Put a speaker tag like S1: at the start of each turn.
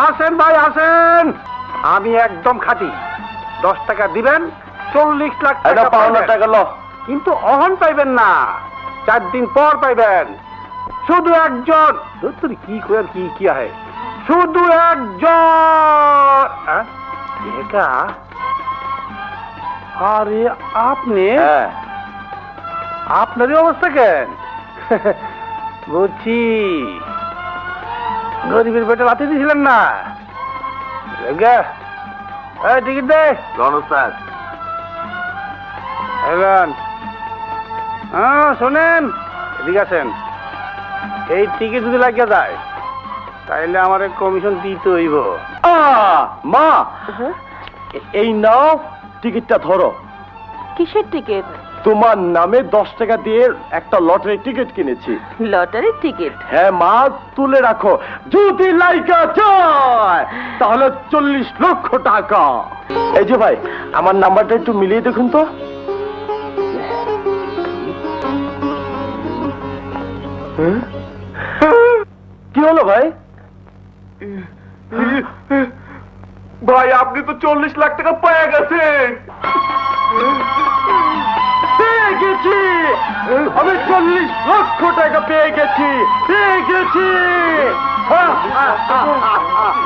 S1: আসেন ভাই আসেন, আমি একদম খাঁটি। 10 টাকা দিবেন, 40 লাখ টাকা পাওনা টাকা লো। কিন্তু অহন পাইবেন না, 4 দিন পর পাইবেন। শুধু একজন, তুই কি করে কি কি আহে, শুধু একজন একা। আরে আপনি, আপনারই অবস্থা কেন? বুঝছি, গরিবের পেটে লাথি দিয়েছিলেন না। টিকিট দে স্যার। শোনেন, এদিকে আছেন। এই টিকিট যদি লাগিয়ে যায় তাইলে আমার কমিশন দিতে হইব। মা, এই নাও টিকিটটা ধরো।
S2: কিসের টিকিট?
S1: তোমার নামে 10 টাকা দিয়ে একটা লটারি টিকিট কিনেছি।
S2: লটারির টিকিট?
S1: হ্যাঁ মা, তুলে রাখো। যদি লাইকা যায় তাহলে 40 লক্ষ টাকা। এই যে ভাই, আমার নাম্বারটা একটু মিলিয়ে দেখুন তো। কি হলো ভাই? ভাই আপনি তো 40 লাখ টাকা পেয়ে গেছেন। পেয়ে গেছি, আমি 40 লক্ষ টাকা পেয়ে গেছি, পেয়ে গেছি।